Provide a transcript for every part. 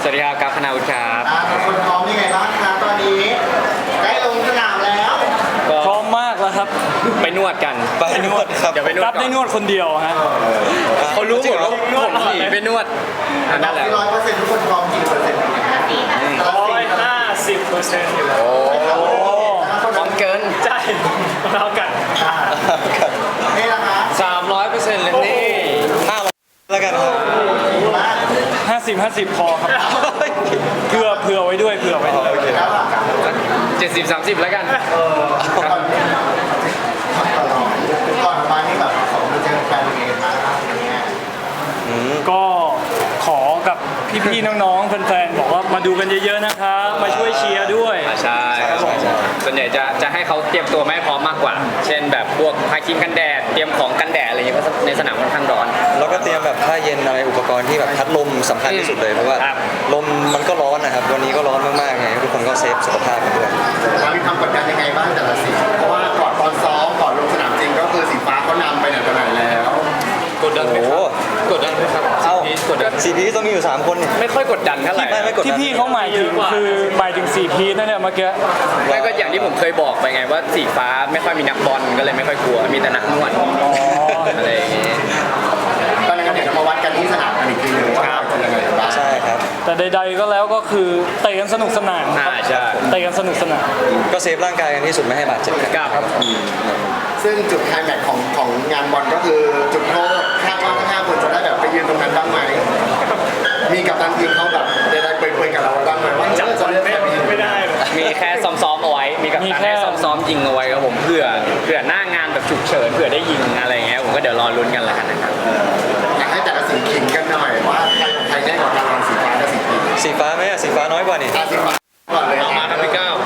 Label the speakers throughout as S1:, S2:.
S1: วัสดีครับกัฟพนาวุฒิครับ
S2: คนพร้อมยังไงบ้างคะตอนนี้ใกล้ลงสนามแล้ว
S3: พร้อมมากแล้วครับ
S1: ไปนวดกัน
S4: ไปนวดครับ
S1: เดี๋ยวไปนวด
S3: รับได้นวดคนเดียวฮะ
S1: เขารู้หมดว่าผมหนีไปนวดนั่นแหละ
S2: 100%ทุกคนพร้อมกี่เปอร์เซ็นต์
S3: 150%อยู่แล้ว
S1: โอ้พร้อมเกิน
S3: ใช่เรากัน
S2: นี่ละคะ
S1: 300%เลยนี่
S4: แล้วกันครับ
S3: 50 พอครับเผื่อไว้ด้วยเผื่อไว้ด้วย
S4: โอเค
S2: แล้วล่ะ
S1: 70-30แล้วกัน
S2: ก่อนมานี่แบบของมาเจอแฟนเองมาครับเนี่ย
S3: ก็ขอกับพี่ๆน้องๆแฟนๆบอกว่ามาดูกันเยอะๆนะครับมาช่วยเชียร์ด้วย
S1: ใช่ส่วนใหญ่จะให้เขาเตรียมตัวไม่พร้อมมากกว่า เช่นแบบพวกทาครีมกันแดด เตรียมของกันแดดอะไรอย่างเงี้ยเพราะในสนามค่อนข้างร้อน
S4: แล้วก็เตรียมแบบผ้าเย็นอะไรอุปกรณ์ที่แบบพัดลมสำคัญที่สุดเลยเพราะว่า
S1: ครับ
S4: ลมมันก็ร้อนนะครับวันนี้ก็ร้อนมากๆไงทุกคนก็เซฟสุขภาพกันด้วย
S2: เรามีความกดดันยังไงบ้างแต่ละสีเพราะว่าก่อนตอนซ้อมก่อนลงสนามจริงก็คือสีฟ้าเขานำไปไหนต่อไหนแล้ว
S1: กดดันไหมครับกดดันไหมครับ
S4: เอ้า
S1: กดดัน
S4: ซีพีต้องมีอยู่3คนนี่
S1: ไม่ค่อยกดดันเท่าไหร่
S4: ไม่กดดัน
S3: ที่พี่เขาหมายถึงคือหมายถึง4 พีชนั่นเนี่ยเมื่อกี้
S1: ไม่ก็อย่างที่ผมเคยบอกไปไงว่าสีฟ้าไม่ค่อยมีนักบอลก็เลยไม่ค่อยกลัวมีแต่นักนวดอะไรอย่างงี้
S2: ตอนนั้นเดี๋ยวเรามาวัดกันที่สนามกันอีกทีหนึงว่าเราจะยังไงบ้าง
S4: ใช่ครับ
S3: แต่ใดๆก็แล้วก็คือเตะกันสนุกสนานครับ
S1: ใช่
S3: เตะกันสนุกสนาน
S4: ก็เซฟร่างกายกันที่สุดไม่ให้บาดเจ็บครับ
S1: ครับ
S2: ซึ่งจุดไคลแม็กซ์ของงานบอลก็คือจุดโทษคาดว่าทั้ง5คนจะได้แบบไปยืนตรงนั้นบ้างไหมมีกัปตันทีมเขาแบบได้เปิดกับเราบ้างไหมว่าจะเลือกแบบนี้
S3: ไม่ได้
S1: มีแค่ซ้อมๆเอาไว้ มีกับ
S3: มี
S1: การ
S3: แค่
S1: ให้ซ้อมๆยิงเอาไว้ครับผมเผื่อหน้างานแบบฉุกเฉินเผื่อได้ยิงอะไรอย่างเงี้ยผมก็เดี๋ยวรอลุ้นกันแล้วกันนะครับ
S2: อยากให้แต่ละสีขิงกันหน่อยว่าใครได้กว่ากันสีฟ้ากับสีเขียว
S4: สีฟ้าไหมอะสีฟ้าน้อยกว่านี่
S2: สีฟ้าก่อนเลย
S1: มาครับพี่ก้าว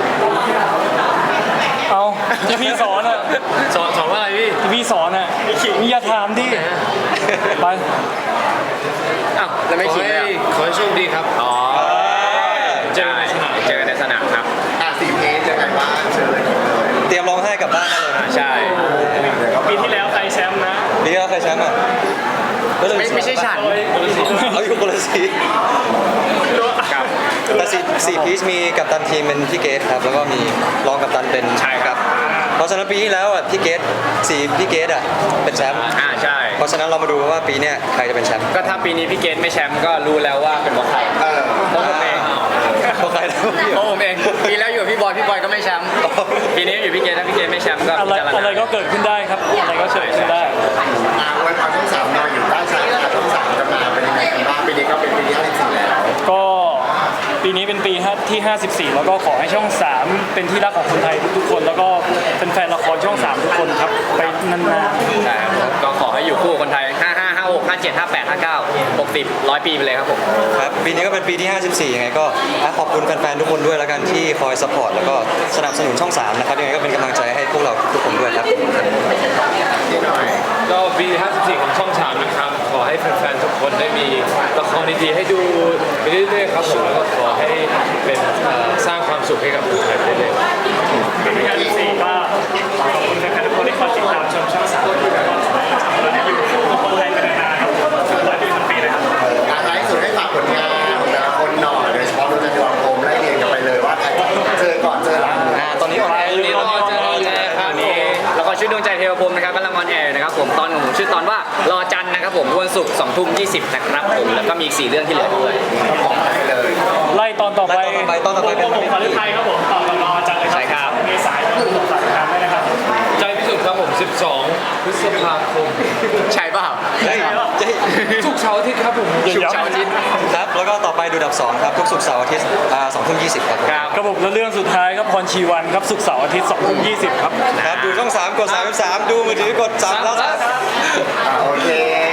S3: เอาที่พี่สอนอ่ะ
S1: สอนว่าอะไรพี่
S3: ที่พี่สอนอ่ะมีอย่าถามดิไป
S1: อ้าวแล้วไม่ขิงเลย
S5: ขอให้โชคดีครับ
S1: อ๋อเจอในสนามครับ
S2: สีเพจยังไงบ้างเชิญเลย
S4: เตรียมร้องไห้กลับบ้านได้เลยนะ
S1: ใช่
S3: ปีที่แล้วใครแชมป์นะ
S4: ปีที่แล้วใครแชมป์อ่ะ
S1: ไม่ใช่ฉัน
S4: เขาอยู่คนละสี
S1: ครับ
S4: แต่สี่พีชมีกัปตันทีมเป็นพี่เกตครับแล้วก็มีรองกัปตันเป็น
S1: ใช่ครับ
S4: เพราะฉะนั้นปีที่แล้วอ่ะพี่เกตพี่เกตอ่ะเป็นแชมป์
S1: ใช่
S4: เพราะฉะนั้นเรามาดูว่าปีเนี้ยใครจะเป็นแชมป์
S1: ก็ถ้าปีนี้พี่เกตไม่แชมป์ก็รู้แล้วว่าเป็นเพราะใครเพราะผมเอง
S4: เพราะใครนะ
S1: เพราะผมเองปีแล้วอยู่กับพี่บอยก็ไม่แชมป์ปีนี้อยู่พี่เกตถ้าพี่เกตไม่แชมป์ก็
S3: อะไร
S1: พิจารณา
S3: อะไรก็เกิดขึ้นได้ครับอะไรก็เกิดขึ้นได้
S2: อวยพรช่องสามนอนอยู่ใต้ชายคาช่องสามจะมาเป็นยังไงกันบ้างปีนี้ก็เป็นปีที่54แล้ว
S3: ก็ปีนี้เป็นปีที่ 54 แล้วก็ขอให้ช่อง 3 เป็นที่รักของคนไทยทุกๆคน แล้วก็เป็นแฟนละครช่อง 3 ทุกคนครับไปนาน
S1: ใช่ครับก็ขอให้อยู่คู่คนไทย 55 56 57 58 59 60 100 ปีไปเลยครับผม
S4: ครับปีนี้ก็เป็นปีที่ 54ยังไงก็ขอบคุณแฟนๆทุกคนด้วยแล้วกันที่คอยสปอร์ตแล้วก็สนับสนุนช่อง 3 นะครับยังไงก็เป็นกำลังใจให้พวกเราทุกคนด้วยครับ
S2: ที่หน่อย
S5: ก็ปี 54 ของช่อง3นะครับ ขอให้แฟนๆ ทุกคนได้มีละครดีๆ ให้ดูไปเรื่อยๆ ครับผม แล้วก็ขอให้เป็นสร้างความสุขให้กับคนไทยไปเรื่อยๆ
S3: ๆปีที่ 54 ก็ขอบคุณแฟนๆทุกคนที่คอยติดตามชมช่อง 3 แล้วก็เราจะอยู่คู่กับคนไทยไปนานๆครับ100 ปีพันปีเลยครับ
S2: ท้ายสุดให้ฝากผลงานของแต่ละคนหน่อยโดยเฉพาะรุ่นจันทร์โคมไล่เรียงกันไปเลยว่าใครเจอก่อนเจอหลัง
S4: ตอนนี้ออนแอร์อยู่
S1: นี่รอเจอครับนี่ละครชื่อดวงใจเทวพรหมนะครับกำลังออนแอร์นะครับผมตอนของผมชื่อตอนว่ารอจันทร์นะครับผมวันศุกร์20:20นะครับผมแล้วก็มีอีก4เรื่องที่เหลือด้วย
S2: ของไปเลย
S3: ไล่ตอนต่อไป
S4: ตอนต่อไปเป็น
S3: ผมขอฤทัยครับผมต่อรอจังเลยครับ
S1: ใช่ครับ
S3: เมษายนผมฝากติดตามด้วยนะครับ
S5: ใจพิสุทธิ์ครับผม 12 พฤษภาคม
S1: ใช่เปล่า
S4: เฮ้ย
S5: ทุกเช้าร์อาทิตย์ครับผม
S1: ศุกร์เสาร์อาทิตย์
S4: ครับแล้วก็ต่อไปดูดับ 2 ครับทุกศุกร์เสาร์อาทิตย์20:20ครับ
S1: ครับ
S3: ครับผมแล้วเรื่องสุดท้ายครับพรชีวันครับศุกร์เสาร์อาทิตย์20:20ครับ
S4: ครับดูช่อง 3 กด 33 ดูมือถือกด3แล้ว
S2: โอเค